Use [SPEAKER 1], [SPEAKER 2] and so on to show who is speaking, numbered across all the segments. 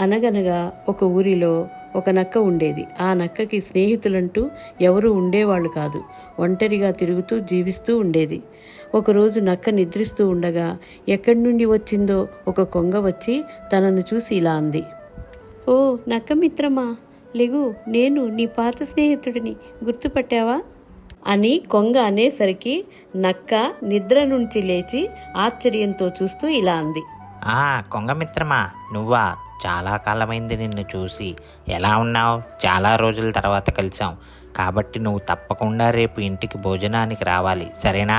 [SPEAKER 1] అనగనగా ఒక ఊరిలో ఒక నక్క ఉండేది. ఆ నక్కకి స్నేహితులంటూ ఎవరూ ఉండేవాళ్ళు కాదు. ఒంటరిగా తిరుగుతూ జీవిస్తూ ఉండేది. ఒకరోజు నక్క నిద్రిస్తూ ఉండగా ఎక్కడి నుండి వచ్చిందో ఒక కొంగ వచ్చి తనను చూసి ఇలా అంది. ఓ నక్క మిత్రమా, లెగు, నేను నీ పాత స్నేహితుడిని, గుర్తుపట్టావా అని కొంగ అనేసరికి నక్క నిద్ర నుంచి లేచి ఆశ్చర్యంతో చూస్తూ ఇలా అంది.
[SPEAKER 2] కొంగ మిత్రమా, నువ్వా? చాలా కాలమైంది నిన్ను చూసి. ఎలా ఉన్నావు? చాలా రోజుల తర్వాత కలిసాం కాబట్టి నువ్వు తప్పకుండా రేపు ఇంటికి భోజనానికి రావాలి, సరేనా?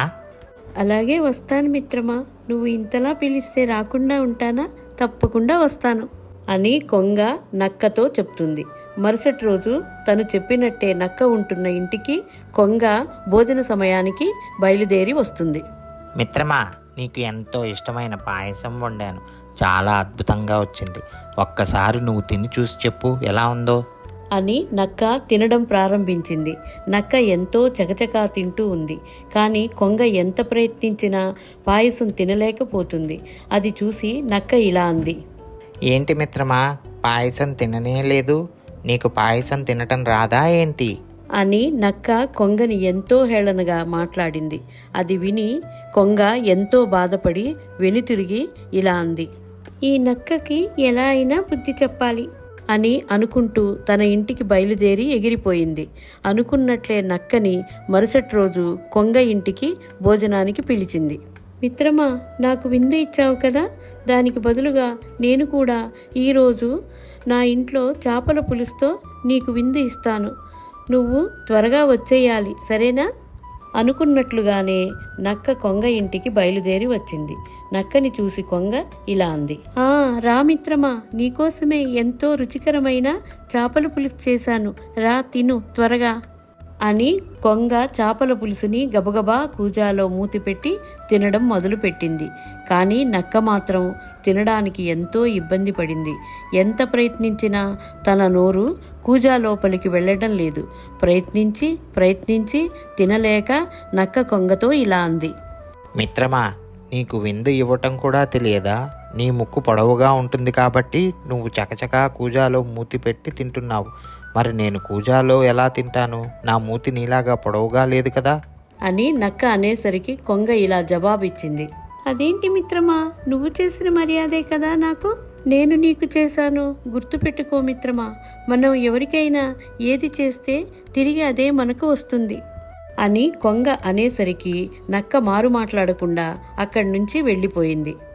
[SPEAKER 1] అలాగే వస్తాను మిత్రమా, నువ్వు ఇంతలా పిలిస్తే రాకుండా ఉంటానా? తప్పకుండా వస్తాను అని కొంగ నక్కతో చెప్తుంది. మరుసటి రోజు తను చెప్పినట్టే నక్క ఉంటున్న ఇంటికి కొంగ భోజన సమయానికి బయలుదేరి వస్తుంది.
[SPEAKER 2] మిత్రమా, నీకు ఎంతో ఇష్టమైన పాయసం వండాను. చాలా అద్భుతంగా వచ్చింది. ఒక్కసారి నువ్వు తిని చూసి చెప్పు ఎలా ఉందో
[SPEAKER 1] అని నక్క తినడం ప్రారంభించింది. నక్క ఎంతో చకచకా తింటూ ఉంది. కానీ కొంగ ఎంత ప్రయత్నించినా పాయసం తినలేకపోతుంది. అది చూసి నక్క ఇలా అంది.
[SPEAKER 2] ఏంటి మిత్రమా, పాయసం తిననే లేదు? నీకు పాయసం తినటం రాదా ఏంటి
[SPEAKER 1] అని నక్క కొంగని ఎంతో హేళనగా మాట్లాడింది. అది విని కొంగ ఎంతో బాధపడి వెనుతిరిగి ఇలా అంది. ఈ నక్కకి ఎలా అయినా బుద్ధి చెప్పాలి అని అనుకుంటూ తన ఇంటికి బయలుదేరి ఎగిరిపోయింది. అనుకున్నట్లే నక్కని మరుసటి రోజు కొంగ ఇంటికి భోజనానికి పిలిచింది. మిత్రమా, నాకు విందు ఇచ్చావు కదా, దానికి బదులుగా నేను కూడా ఈరోజు నా ఇంట్లో చేపల పులుసుతో నీకు విందు ఇస్తాను. నువ్వు త్వరగా వచ్చేయాలి, సరేనా? అనుకున్నట్లుగానే నక్క కొంగ ఇంటికి బయలుదేరి వచ్చింది. నక్కని చూసి కొంగ ఇలా అంది. రా మిత్రమా, నీకోసమే ఎంతో రుచికరమైన చేపల పులుసు చేశాను, రా తిను త్వరగా అని కొంగ చేపల పులుసుని గబగబా కూజాలో మూతిపెట్టి తినడం మొదలుపెట్టింది. కానీ నక్క మాత్రం తినడానికి ఎంతో ఇబ్బంది పడింది. ఎంత ప్రయత్నించినా తన నోరు కూజా లోపలికి వెళ్ళడం లేదు. ప్రయత్నించి తినలేక నక్క కొంగతో ఇలా అంది.
[SPEAKER 2] మిత్రమా, నీకు విందు ఇవ్వటం కూడా తెలియదా? నీ ముక్కు పొడవుగా ఉంటుంది కాబట్టి నువ్వు చకచకా కూజాలో మూతి పెట్టి తింటున్నావు. మరి నేను కూజాలో ఎలా తింటాను? నా మూతి నీలాగా పొడవుగా లేదు కదా
[SPEAKER 1] అని నక్క అనేసరికి కొంగ ఇలా జవాబిచ్చింది. అదేంటి మిత్రమా, నువ్వు చేసిన మర్యాదే కదా నాకు, నేను నీకు చేశాను. గుర్తుపెట్టుకో మిత్రమా, మనం ఎవరికైనా ఏది చేస్తే తిరిగి అదే మనకు వస్తుంది అని కొంగ అనేసరికి నక్క మారు మాట్లాడకుండా అక్కడి నుంచి వెళ్ళిపోయింది.